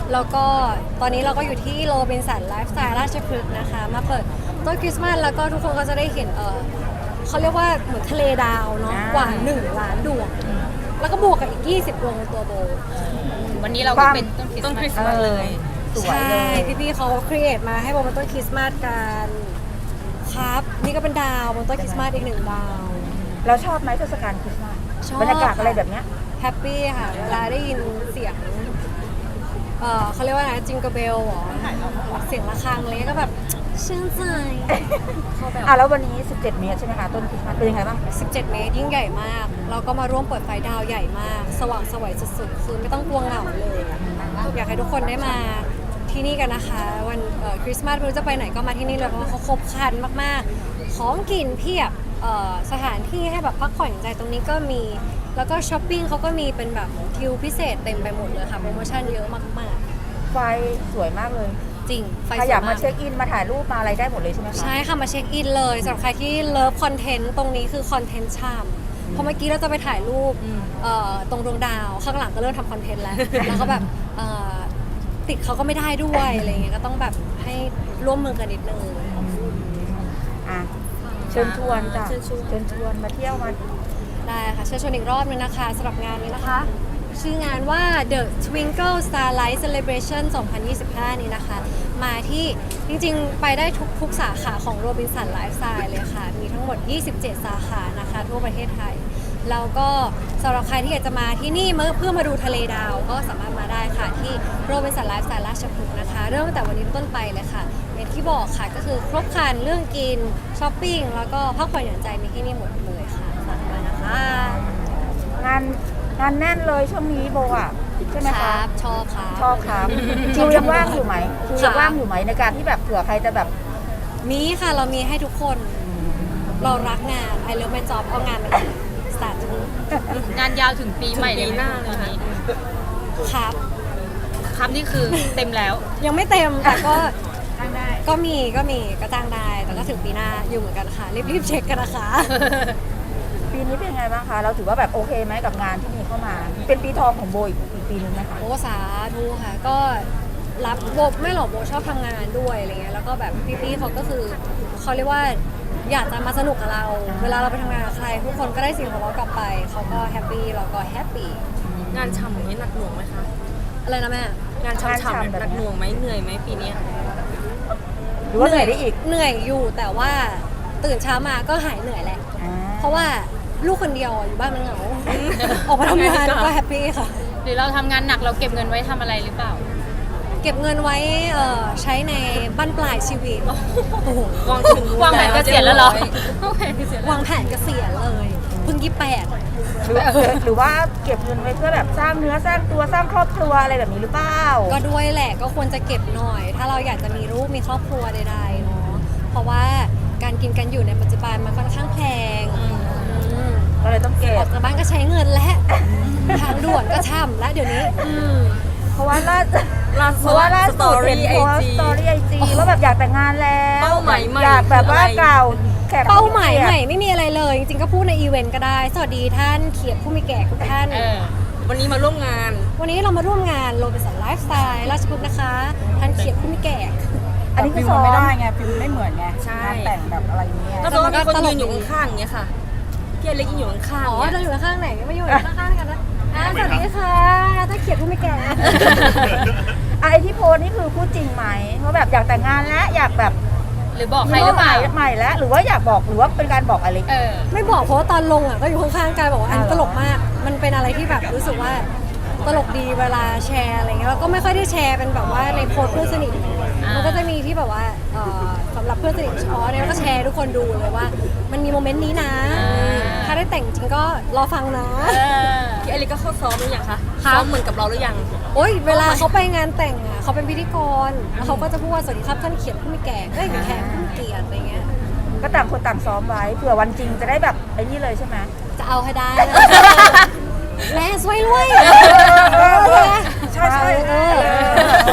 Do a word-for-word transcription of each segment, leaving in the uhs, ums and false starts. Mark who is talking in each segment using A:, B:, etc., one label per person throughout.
A: แล้วก็ตอนนี้เราก็อยู่ที่โรบินสันไลฟ์สไตล์ราชพฤกษ์นะคะมาเปิดต้นคริสต์มาสแล้วก็ทุกคนก็จะได้เห็นเออเขาเรียกว่าเหมือนทะเลดาวเนาะกว่าหนึ่งล้านดวงแล้วก็บวกกับอีกยี่สิบดวงในตัวโบ
B: วันนี้เราก็เป็นต้นคริสต์มาสเลย
A: ใช่พี่ๆเขาครีเอทมาให้โบเป็นต้นคริสต์มาสกันครับนี่ก็เป็นดาวบนต้นคริสต์มาสอีกหนึ่งดาว
C: เราชอบไหมเทศกาลคริสต์มาส
A: ชอบ
C: บรรยากาศอะไรแบบเนี้ย
A: แฮปปี้ค่ะเวลาได้ยินเสียงเออเขาเรียกว่าอะไรจิงเกอร์เบลหรอเสียงะระฆังเลยก็แบบชื่นใจเขาแบบ
C: อ่ะแล้ววันนี้สิบเจ็ดเมตรใช่ไหมคะต้นคริสต์มาสเป็นยังไงบ้าง
A: สิบเจ็ดเมตรยิ่งใหญ่มากเราก็มาร่วมเปิดไฟดาวใหญ่มาก สว่างสวยสุดๆคือไม่ต้องกลัวเหงาเลยอยากให้ทุกคนได้มาที่นี่กันนะคะวันคริสต์มาสไม่รู้จะไปไหนก็มาที่นี่เลยเพราะว่าเขาครบครันมากๆของกินเพียบสถานที่ให้แบบพักผ่อนหย่อนใจตรงนี้ก็มีแล้วก็ช้อปปิ้งเขาก็มีเป็นแบบคิวพิเศษเต็มไปหมดเลยค่ะโปรโมชั่นเยอะมากๆ
C: ไฟสวยมากเลย
A: จริงไฟ
C: ใคร
A: สวย
C: อยาก
A: มาก
C: มาเช็คอินมาถ่ายรูปมาอะไรได้หมดเลยใช่ไหมคะ
A: ใช่ค่ะมาเช็คอินเลยสำหรับใครที่เลิฟคอนเทนต์ตรงนี้คือคอนเทนต์ชามเพราะเมื่อกี้เราจะไปถ่ายรูปเอ่อตรงดวงดาวข้างหลังก็เริ่มทำคอนเทนต์แล้ว แล้วก็แบบเอ่อติดเขาก็ไม่ได้ด้วยอะไรเงี้ยก็ต้องแบบให้ร่วมมือกันนิดนึง
C: อ่ะเชิญชวนจ้ะ
A: เชิญชวน
C: เชิญชวนมาเที่ยวมา
A: ได้ค่ะเชิญชวนอีกรอบนึงนะคะสำหรับงานนี้นะคะ ชื่องานว่า The Twinkle Starlight Celebration สองพันยี่สิบห้า นี้นะคะ มาที่จริงๆ ไปได้ทุกทุกสาขาของ Robinson Lifestyle เลยค่ะ มีทั้งหมด ยี่สิบเจ็ด สาขานะคะ ทั่วประเทศไทย แล้วก็สำหรับใครที่อยากจะมาที่นี่เพื่อมาดูทะเลดาว ก็สามารถมาได้ค่ะที่ Robinson Lifestyle ราชพฤกษ์นะคะ เริ่มตั้งแต่วันนี้เป็นต้นไปเลยค่ะอย่างที่บอกค่ะก็คือครบครันเรื่องกินช้อปปิ้งแล้วก็พักผ่อนหย่อนใจมีที่นี่หมดเลยค่ะฝากมานะคะ
C: งานงานแน่นเลยช่วงนี้โบอ่ะใช่ไหม
A: ค
C: คะ
A: รับชอบครับ
C: ชอบครับคิวยังว่างอยู่ไหมคิวยังว่างอยู่ไหมในการที่แบบเผื่อใครจะแบบ
A: มีค่ะเรามีให้ทุกคนเรารักงาน I love my job เอางานมาสตาร์ท
B: งานยาวถึงปีใหม่เลยหน้าเลยนี้
A: ครับ
B: ครับนี่คือเต็มแล้ว
A: ยังไม่เต็มแต่ก็ก็มีก็มีก็จ้างได้แต่ก็ถึงปีหน้าอยู่เหมือนกันค่ะรีบๆเช็คกันนะคะ
C: ปีนี้เป็นยังไงบ้างคะเราถือว่าแบบโอเคไหมกับงานที่มีเข้ามา เป็นปีทองของโบอีกอีกปีนึงไหมคะ
A: โอ้สาธุค่ะก็รับโบไม่หรอกโบชอบทำงานด้วยอะไรเงี้ยแล้วก็แบบพี่ๆเขาก็คือเขาเรียกว่าอยากจะมาสนุกกับเรา เวลาเราไปทำงานกับใครทุกคนก็ได้สิ่งของเรากลับไปเขาก็แฮปปี้เราก็แฮปปี้
B: งานช่ำอย่างนี้หนักหน่วงไหมคะ
A: อะไรนะแม่
B: งานช่ำๆหนักหน่วงไหมเหนื่อยไหมปีนี้
C: หรือว่าเหนื่อยได้อีก
A: เหนื่อยอยู่แต่ว่าตื่นเช้ามาก็หายเหนื่อยแหละ
C: อ่า
A: เพราะว่าลูกคนเดียวอยู่บ้านมันเหงา ออกมาทำงานก็แฮปปี้ค่ะ
B: หรือเราทำงานหนักเราเก็บเงินไว้ทำอะไรหรือเปล่า
A: เก็บเงินไว้เอ่อใช้ในบั้นปลายชีวิตโอ้โห
B: วางถึงวางแผนเกษียณแล้วเหรอวางแผนเกษียณแล้ว
A: วางแผนเกษียณเลยเพิ่งยี่สิบแปด
C: หรือหรือว่าเก็บเงินไว้เพื่อแบบสร้างเนื้อสร้างตัวสร้างครอบครัวอะไรแบบนี้หรือเปล่า
A: ก็ด้วยแหละก็ควรจะเก็บหน่อย ถ้าเราอยากจะมีลูกมีครอบครัวใดๆเนาะเพราะว่าการกินกันอยู่ในปัจจุบันมันค่อนข้างแพงอืม
C: ก็เลยต้องเก็
A: ออบ กจากบ้านก็ใช้เงินและทางด่วนก็ช่ำและเดี๋ยวนี้อืม
C: เพราะว่าล่าเพราะว่าล่าสุดเห็นโพสต์สตอรี่ไอจีว่าแบบอยากแต่งงานแล้ว
B: เป้าหมายใหม่
C: อยากแบบว่ากล่าวแขก
A: เป้าหมายใหม่ไม่มีอะไรเลย จริงๆก็พูดในอีเวนต์ก็ได้ สวัสดีท่านเขียดผู้มีแก่ทุกท่าน
B: เออวันนี้มาร่วมงาน
A: วันนี้เรามาร่วมงานโรบินสันไลฟ์สไตล์ราชพฤกษ์นะคะ ท่านเขียดผู้มีแก่
C: อันนี้คือ
D: ฟิล
C: ซ้อ
D: มัน
C: ม
D: ไม่ได้ไงฟิลไม่เหมือนไง
B: ใช่
D: งานแต่งแบบอะไรเงี้ย
B: ก็ต้องมีคนยืนอยู่ข้างๆอย่างเงี้ยค่ะพี่อเล็กยืนอยู่ข้างๆ
A: อ๋อ
B: เนี่ย
A: เราอยู่ข้างไหนไม่อยู่ข้างๆกันนะอ่าสวัสดีค่ะท่านเขียดผู้มีแก่
C: ไอที่โพสต์นี่คือพูดจริงไหมว่าแบบอยากแต่งงานแล้วอยากแบบ
B: หรือบอกใครหรือเปล่า
C: ใหม่แล้วหรือว่าอยากบอกหรือว่าเป็นการบอกอะไร
B: เออ
A: ไม่บอกเพราะว่าตอนลงอ่ะก็อยู่ข้างๆกันบอกว่าอันนี้ตลกมาก มันเป็นอะไรที่แบบรู้สึกว่าตลกดีเวลาแชร์อะไรเงี้ยแล้วก็ไม่ค่อยได้แชร์เป็นแบบว่าในโพสต์เพื่อนสนิท
B: อ่ามั
A: มันก็จะมีที่แบบว่าเอ่อสำหรับเพื่อนสนิทอ๋อเนี่ยก็แชร์ทุกคนดูเลยว่า มันมีโมเมนต์นี้นะ ถ้าได้แต่งจริงก็รอฟังนะ
B: เออพี่อเล็กก็เข้าซ้อมหรือยังคะ
A: ค่ะ
B: ซ้อมเหมือนกับเราหรือยัง
A: โอ๊ยเวลาเขาไปงานแต่งอ่ะเขาเป็นพิธีกรแล้วเขาก็จะพูดว่าสวัสดีครับท่านเขียนผู้มีแก่เอ้ยแขกผู้มีเกียรติอะไรเงี้ย
C: ก็ต่างคนต่างซ้อมไว้เผื่อวันจริงจะได้แบบไอ้นี่เลยใช่ไหม
A: จะเอาให้ได้นะ แลสวยรวย
C: ใช่ใช่
A: เออ
C: ไม่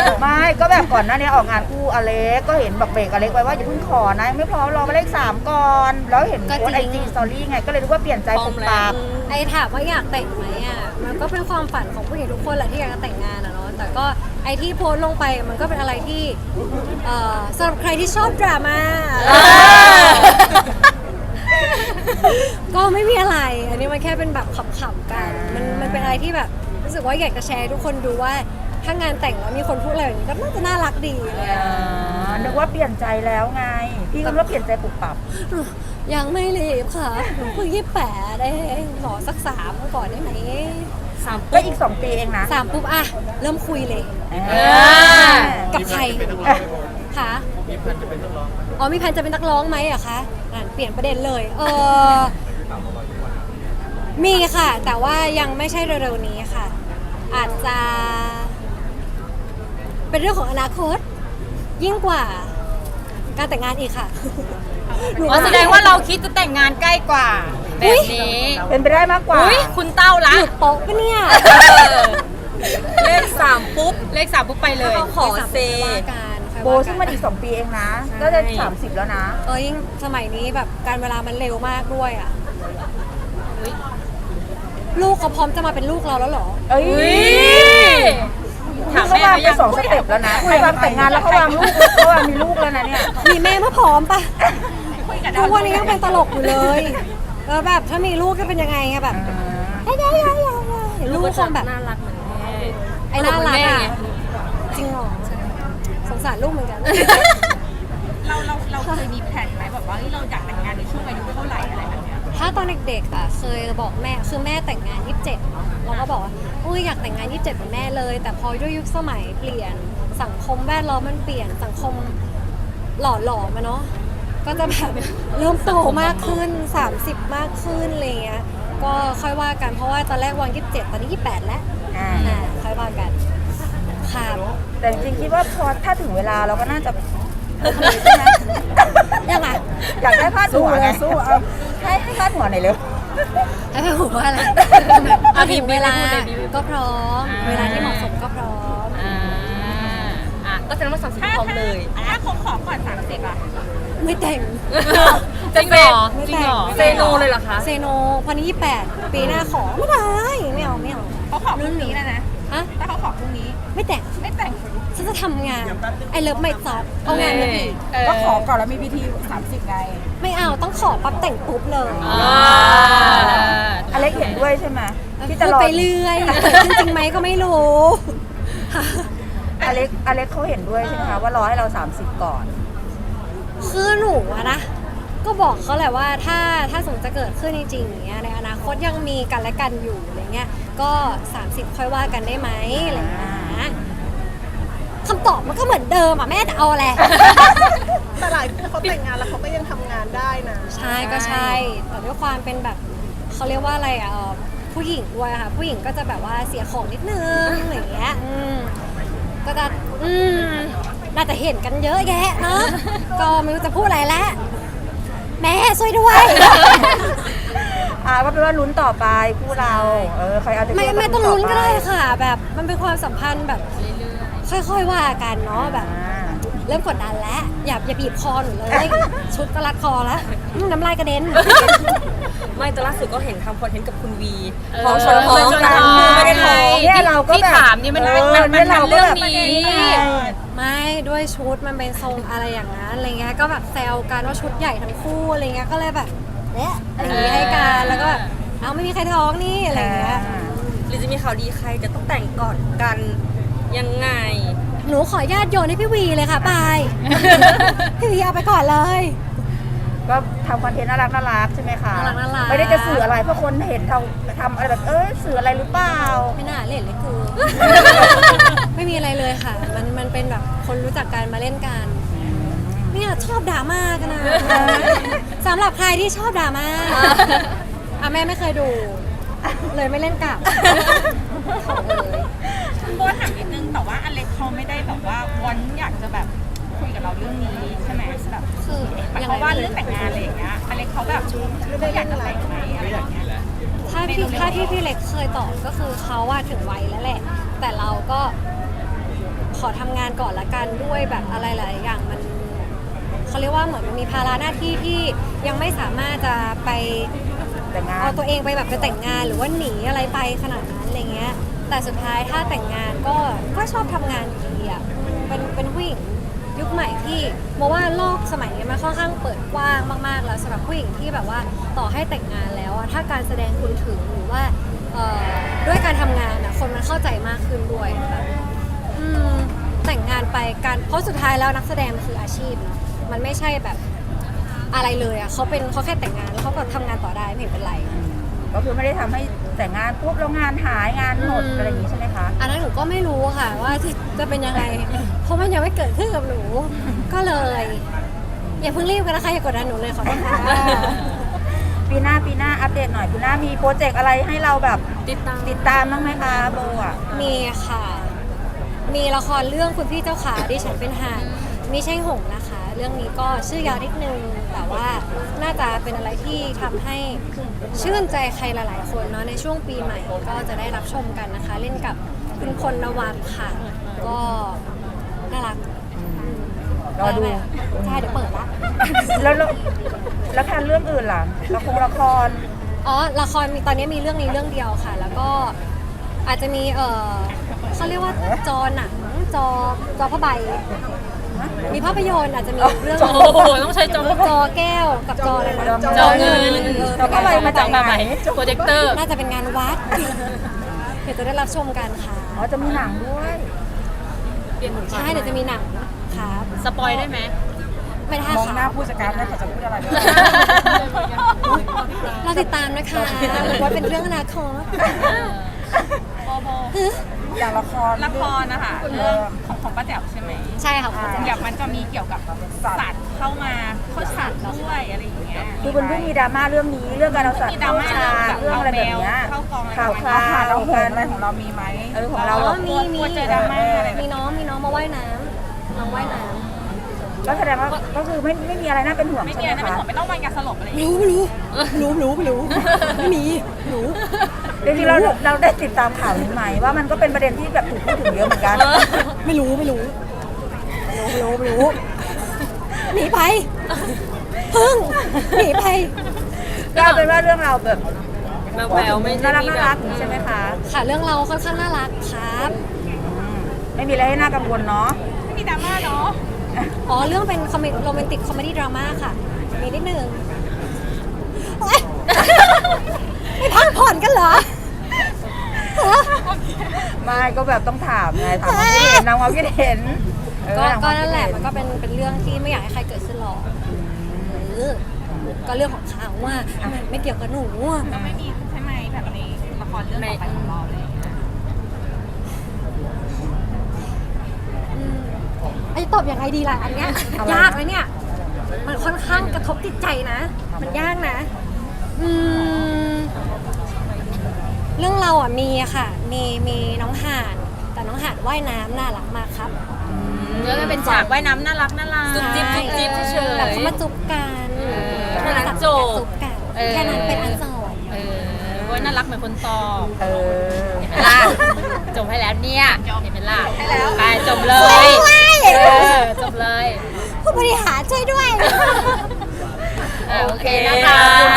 C: ก็แบบก่อนหน้านี้ออกงานคู่อเล็กก็เห็นแบบเบรกอเล็กไว้ว่าอย่าเพิ่งขอนะยังไม่พร้อมรอมาเลขสามก่อนแล้วเห็นโพสไอจีสตอรี่ไงก็เลยรู้ว่าเปลี่ยนใจปุบปับ
A: ไอ้ถามว่าอยากแต่งไหมอ่ะมันก็เป็นความฝันของผู้หญิงทุกคนแหละที่อยากจะแต่งงานอะเนาะแต่ก็ไอ้ที่โพสต์ลงไปมันก็เป็นอะไรที่เอ่อสำหรับใครที่ชอบดราม่าก็ไม่มีอะไร อันนี้มันแค่เป็นแบบขำๆกันมันมันเป็นอะไรที่แบบรู้สึกว่าอยากจะแชร์ให้ทุกคนดูว่าถ้างานแต่งแล้วมีคนพูดอะไรแบบนี้ก็น่าจะน่ารักดีเลยอะ
C: นึกว่าเปลี่ยนใจแล้วไง พี่ก็นึกว่าเปลี่ยนใจปุบปับ
A: ยังไม่รีบค่ะหนูเพิ่งยี่สิบแปดเองขอสักสามก่อนได้ไหม
B: สาม
C: ก็
B: ปุ๊บ
C: อีกสองปีเองนะ
A: สามปุ๊บอะเริ่มคุยเลย
C: อ่า
A: กับใครคะอ๋อมีแผนจะเป็นนักร้องไหมอะคะนั่นเปลี่ยนประเด็นเลย เออมีค่ะ แต่ว่ายังไม่ใช่เร็วๆนี้ค่ะ อาจจะ เป็นเรื่องของอนาคต ยิ่งกว่า การแต่งงานอีกค่ะหนู
B: อ๋อแสดงว่าเราคิดจะแต่งงานใกล้กว่า แบบนี้
C: เป็นไปได้มากกว่า
B: อุ้ยคุณเต้าละ
A: หยุดโป๊ะปะเนี่ย
B: เลขสามปุ๊บ เลขสามปุ๊บไปเลย ขอเซ
A: ว่ากันค่อย
C: โบ
A: ว่า
C: ซึ่ง
A: กั
C: มันอีกสองปีเองนะ
B: ใช่
C: ก็จะสามสิบแล้วนะ
A: เออยิ่งสมัยนี้แบบการเวลามันเร็วมากด้วยอ่ะ
B: อุ๊ย
A: ลูกเขาพร้อมจะมาเป็นลูกเราแล้วเหรอ
C: เอ้ย
B: อุ๊ยถาม
C: เขา
B: แม่
C: วาง
B: เขา
C: ไป
B: ยัง
C: สองสเต็ปแล้วนะใครวางแต่งงานแล้วเขาวางลูกเขาวางมีลูกแล้วนะเนี่ย
A: มีแม่เมื่อพร้อมปะทุกวันนี้ยังเป็นตลกอยู่เลยแล้วแบบถ้ามีลูกจะเป็นยังไงอะแบบไอ้ยายายายาลูกคงแบบ
B: น่ารักเหมือนแม่
A: ไอ้น่ารัก
B: แม่
A: อะ
B: ไง
A: จริงเหรอสงสารลูกเหมือนกัน
D: เราเราเราเคยมีแผนไหมแบบว่าเฮ้ยเราอยากแต่งงานในช่วงอายุเท่าไหร่อะไรแบบเนี้ย
A: ถ้าตอนเด็กๆอ่ะเคยบอกแม่คือแม่แต่งงานยี่สิบเจ็ดเนาะเราก็บอกว่าอุ้ยอยากแต่งงานยี่สิบเจ็ดเหมือนแม่เลย แต่พอด้วยยุคสมัยเปลี่ยนสังคมแวดล้อมมันเปลี่ยนสังคมหล่อหลอมอะเนาะก็จะแบบเริ่มโตมากขึ้นสามสิบมากขึ้นอะไรเงี้ยก็ค่อยว่ากันเพราะว่าตอนแรกวางยี่สิบเจ็ดตอนนี้ยี่สิบแปดแล้ว
C: อ่า
A: อ่าค่อยว่ากันครับ
C: แต่จริงๆคิดว่าพอถ้าถึงเวลาเราก็น่าจะใช่ไหม
A: ยังไง
C: อยากได้พาดหัวไงสู้เอาให้ให้พาดหัวหน่อยเร็ว
A: ให้ไปหัวอะไร
B: เอา
A: ถึงเวลา
B: บีบไม่ได้พูดเลยบีบไม่ได้
A: ก็พร้อม
B: อ่า
A: เวลาที่เหมาะสมก็พร้อม
B: อ่าอ่ะก็แสดงว่าสามสิบพร้อมเลย
D: ถ้าเขาขอก่อนสามสิบอ่ะ
A: ไม่แต่ง
B: จริงเหรอ
A: ไม่
B: จริง
A: แต่ง
B: เหรอ
A: ไม่
B: เซ
A: แต่ง
B: โนเลยเหรอคะ
A: เซโนพอนี้ยี่แปดปีหน้าขอไม่ได้ไม่เอาไม่เอา
D: เขาขอพรุ่งนี้แล้วนะ
A: ฮะ
D: ถ้าเขาขอพรุ่งนี้
A: ไม่แต่ง
D: ไม่แต่ง
A: ฉันจะทำงานไอเลิฟไม่จอบเอางานมาอีก
D: ก็ขอก่อนแล้วมีพิธีสามสิบไง
A: ไม่เอาต้องขอปั๊บแต่งปุ๊บเลย
B: อ่า
C: อเล็กเห็นด้วยใช่ไหมที่จะ
A: พูด
C: รอ
A: ไปเรื่อยจริงๆไหมก็ไม่รู้
C: อเล็กอเล็กเขาเห็นด้วยใช่ไหมคะว่ารอให้เราสามสิบก่อน
A: คือหนูอะนะก็บอกเขาแหละว่าถ้าถ้าสมมติจะเกิดขึ้นจริงๆอย่างเงี้ยในอนาคตยังมีกันและกันอยู่อะไรเงี้ยก็สามสิบค่อยว่ากันได้ไหมอะไรเงี้ยนะคำตอบมันก็เหมือนเดิมอ่ะแม่จะเอาอะไร
E: แต่หลายคนเขาแต่งงานแล้วเขาก็ยังทำงานได้นะ
A: ใช่ก็ใช่แต่ด้วยความเป็นแบบเขาเรียกว่าอะไรอ่ะเอ่อผู้หญิงด้วยค่ะผู้หญิงก็จะแบบว่าเสียของนิดนึงอะไรอย่างเงี้ยอืมก็จะอืมน่าจะเห็นกันเยอะแยะเนาะ ก็ไม่รู้จะพูดอะไรแล้วแม่ช่วยด้วย
C: อ่าก็เป็นว่าลุ้นต่อไปคู่เรา เออใครเอาจะ
A: ไม่
C: เลื
A: ไม่ต้องลุ้นก็ได้
C: ต่อป
A: ค่ะ แบบมันเป็นความสัมพันธ์แบบค่อยๆว่ากันเนาะแบบ
C: อ่า
A: เริ่มกดดันแล้วอย่าอย่าบีบคอหนูเลย ชุดก็รัดคอแล้วอืมน้ำลายกระเด็น
B: ไม่แต่ล่าสุดก็เห็นทำคอนเทนต์กับคุณวี
C: เออ
B: ท้องชนท้องกัน
C: เออ
B: ไม่ได้ท้อง
C: เนี่ยเราก็
B: ที่
C: แบบ
B: ถามนี่มัน
C: เอ
B: มัน
C: อ
B: มัน
C: เนี่ย
B: มัน
C: เราก็
B: เรื่อง
C: แบบ
B: นี้
A: ไม่ด้วยชุดมันเป็นทรงอะไรอย่างนั้นอะไรเงี้ยก็แบบแซวกันว่าชุดใหญ่ทั้งคู่อะไรเงี้ยก็เลยแบบเอ๊ะอะไรอย่างงี้ให้กันแล้วก็แบบเอาไม่มีใครท้องนี่อะไรเงี้ย
B: หรือจะมีข่าวดีใครจะต้องแต่งก่อนกันยังไง
A: หนูขออนุญาตโยนให้พี่วีเลยค่ะปาย พี่วีเอาไปก่อนเลย
C: ก็ทำคอนเทนต์น่ารักน่ารักใช่ไหมคะ
A: น่ารักน่ารัก
C: ไม่ได้จะสื่ออะไรเพราะคนเห็นเราทำอะไรแบบเอ้ยสื่ออะไรหรือเปล่า
A: ไม่น่าเล่นเลยกู ไม่มีอะไรเลยค่ะ มันมันเป็นแบบคนรู้จักกันมาเล่นกันเนี่ยชอบดราม่ากันนะสำหรับใครที่ชอบดราม่าอ่ะแม่ไม่เคยดู เลยไม่เล่นกลับขอเลย
D: โบถามนิดนึงแต่ว่าอเล็กเขาไม่ได้แบบว่าวอนอยากจะแบบคุยกับเราเรื่องนี้ใช่ไหมแบบ
A: คือ
D: หมาย
A: ยัง
D: ค
A: ไง
D: วามว่าเรื่องแต่งงานอะไรอย่างเงี้ยอเล็กเขาแบบเขาอยากจะแต่งไหมอะไรอย่างเงี้ย
A: ถ้าพี่ถ้าที่พี่เล็กเคยตอบก็คือเขาว่าถึงวัยแล้วแหละ แต่เราก็ขอทำงานก่อนละกันด้วยแบบอะไรหลายอย่างมันเขาเรียกว่าเหมือนมันมีภาระหน้าที่ที่ยังไม่สามารถจะไป
C: แต่งงาน
A: เอาตัวเองไปแบบไปแต่งงานหรือว่าหนีอะไรไปขนาดนั้นอะไรเงี้ยแต่สุดท้ายถ้าแต่งงานก็ก็ชอบทำงานอยู่ดีอ่ะเป็นเป็นผู้หญิงยุคใหม่ที่มองว่าโลกสมัยนี้มันค่อนข้างเปิดกว้างมากๆแล้วสำหรับผู้หญิงที่แบบว่าต่อให้แต่งงานแล้วอะถ้าการแสดงคุณถึงหรือว่าเอ่อด้วยการทำงานอะคนมันเข้าใจมากขึ้นด้วยแบบอืมแต่งงานไปการเพราะสุดท้ายแล้วนักแสดงมันคืออาชีพเนาะมันไม่ใช่แบบอะไรเลยอะเขาเป็นเขาแค่แต่งงานแล้วเขาก็ทำงานต่อได้ไม่เห็นเป็นไร
C: ก็คือไม่ได้ทำให้แต่งงานปุ๊บแล้วงานหายงานหมด
A: อืม
C: อะไรอย่างนี้ใช่ไหมคะ
A: อันนั้นหนูก็ไม่รู้ค่ะว่าจะจะเป็นยังไง เพราะมันยังไม่เกิดขึ้นกับหนู ก็เลย อย่าเพิ่งรีบกันนะคะอย่ากดดันหนูเลยขอโทษค่ะ
C: ปีหน้าปีหน้าอัปเดตหน่อยปีหน้ามีโปรเจกต์อะไรให้เราแบบ
B: ติดตาม
C: ติดตามบ้างไหมคะโบอ่ะ
A: มีค่ะ มีละครเรื่องคุณพี่เจ้าขาดิฉันเป็นห่านมีใช่หงส์นะคะ เรื่องนี้ก็ชื่อยาวนิดนึงแต่ว่าน่าจะเป็นอะไรที่ทำให้ชื่นใจใครหลาย ๆ คนเนาะในช่วงปีใหม่ก็จะได้รับชมกันนะคะ เล่นกับคุณพลนวัตค่ะ ก็น่ารัก
C: รอดู
A: ใช่เดี๋ยวเปิดละ
C: แล้วแล้วแล้วแค่เรื่องอื่นล่ะละครละคร
A: อ๋อ ละครมีตอนนี้มีเรื่องนี้เรื่องเดียวค่ะ แล้วก็อาจจะมีเออเขาเรียกว่าจอหนังจอจอผ้าใบ มีภาพยนตร์อาจจะมีเรื่อง
B: โอ้โหต้องใช้จอ
A: จอแก้วกับจออะไรนะ
B: จอเงิน
A: เออ
C: จอผ้าใบมาจากไหน
B: โปรเจคเตอร์
A: น่าจะเป็นงานวัด เดี๋ยวจะได้รับชมกันค่ะ
C: อ๋อจะมีหนังด้วย
B: เปลี่ยนหมุน
A: ใช่เดี๋ยวจะมีหนังครับ
B: สปอยได้ไหม
A: ไม่ได้
C: มองหน้า
A: ค่ะ
C: ผู้จัดการแล้วเขาจะพูดอะไรด้วย
A: เราติดตามนะคะว่าเป็นเรื่องอนาคต
D: โบโบ
C: อย่างละคร
D: ละครนะคะเรื่องของของป้าแจ๋วใช่ไหม
A: ใช่ค่ะคุณ
D: เดี๋
A: แจ๊
D: ยวมันจะมีเกี่ยวกับสัตว์เข้ามาเข้าสัตว์ด้วยอะไรอย่างเงี้ย
C: คือมันเพิ่งมีดราม่าเรื่องนี้เรื่องการเอาสัตว์
D: มีดรา
C: เข้า
D: ม่า
C: ฉากเรื่องอะไรแบบเนี้ย
D: เข้ากอง
C: ข่าวคราวเรากันอะไรของเรามีไหมเออของเรา
A: อ๋อ
C: เรา
A: มีมี
D: กลัวเจอดราม่าอะไรแบบ
A: มี
D: นี้
A: น้องมีน้องมาว่ายน้ำน้องว่ายน้ำ
C: ก็แสดงว่าก็คือไม่ไม่มีอะไรน่าเป็นห่วง
D: ไม่
C: ใช่
D: มี
C: ไหม
D: อะไรไม่
C: คะ
D: ห่วงไม่ต้องวางยาสลบอะไรอย่าง
A: ไม่
D: เงี้ย
A: รู้ไม่รู้ไม่รู้ไม่รู้ไม่มีหนู
C: จริงๆเราเราได้ติดตามข่าวนี้ไหมว่ามันก็เป็นประเด็นที่แบบถูกพูดถึงเยอะเหมือนกัน
A: ไม่รู้ไม่รู้ไม่รู้ไม่รู้หนีไปพึ่งหนีไป
C: ก็เอาเป็นว่าเรื่องเราแบบ
B: แมวแววไม่
C: น่า
B: ได้
C: รัก
B: มี
C: น่า
B: แบ
C: รับ กใช่ไหมคะ
A: ค่ะเรื่องเราค่อนข้างน่ารักครับ
C: อืมไม่มีอะไรให้น่ากังวลเนาะ
A: Oh,
D: ไม่มีดราม่าเนาะ
A: อ๋อเรื่องเป็นคอมเมดี้โรแมนติกคอมเมดี้ดราม่าค่ะมีนิดนึงโอ๊ยไม่พักผ่อนกันเหรอฮะ
C: ไม่ก็แบบต้องถามไงถามความคิดเห็นนำความคิดเห็นเออ
A: ก็
C: ถามค
A: ก็
C: วามคิด
A: นั่นแหละ
C: เ
A: มันก็เป็นเป็นเรื่องที่ไม่อยากให้ใครเกิดขึ้นหรอกเออก็เรื่องของเขาว่าไม่เกี่ยวกับหนูอะ
D: ก็ไม่มีใช่ไหมแบบในละครเรื่องต่อไปของเราเลย
A: อืมไอ้ตอบยังไงดีล่ะอันเนี้ย
C: อะไรนะ
A: ยากนะเนี่ย มันค่อนข้างกระทบจิตใจนะ มันยากนะ อืม เรื่องเราอ่ะมีอะค่ะ มีมีน้องห่าน แต่น้องห่านว่ายน้ำน่ารักมากครับ
B: แล้วก็เป็นฉากว่ายน้ำน่ารักน่ารักจุ๊บจิ๊บจุ๊บจิ๊บเฉย
A: แบบเขามาจุบกัน
B: เออแค่นั้นจบ
A: จุบกัน
B: เออ
A: แค่นั้นเป็นอันจบ
B: เออว่าน่ารักเหมือนคนตอบ
C: เออ
B: เห็นไหมล่ะจบให้แล้วเนี่ยเห็นไหมล่ะไปจบเล
A: ช่วย
B: ย
A: ด้วย
B: เออจบเลย
A: ผู้บริหารช่วยด้วย
B: อ่ะโอเคนะคะ
C: ขอบคุณ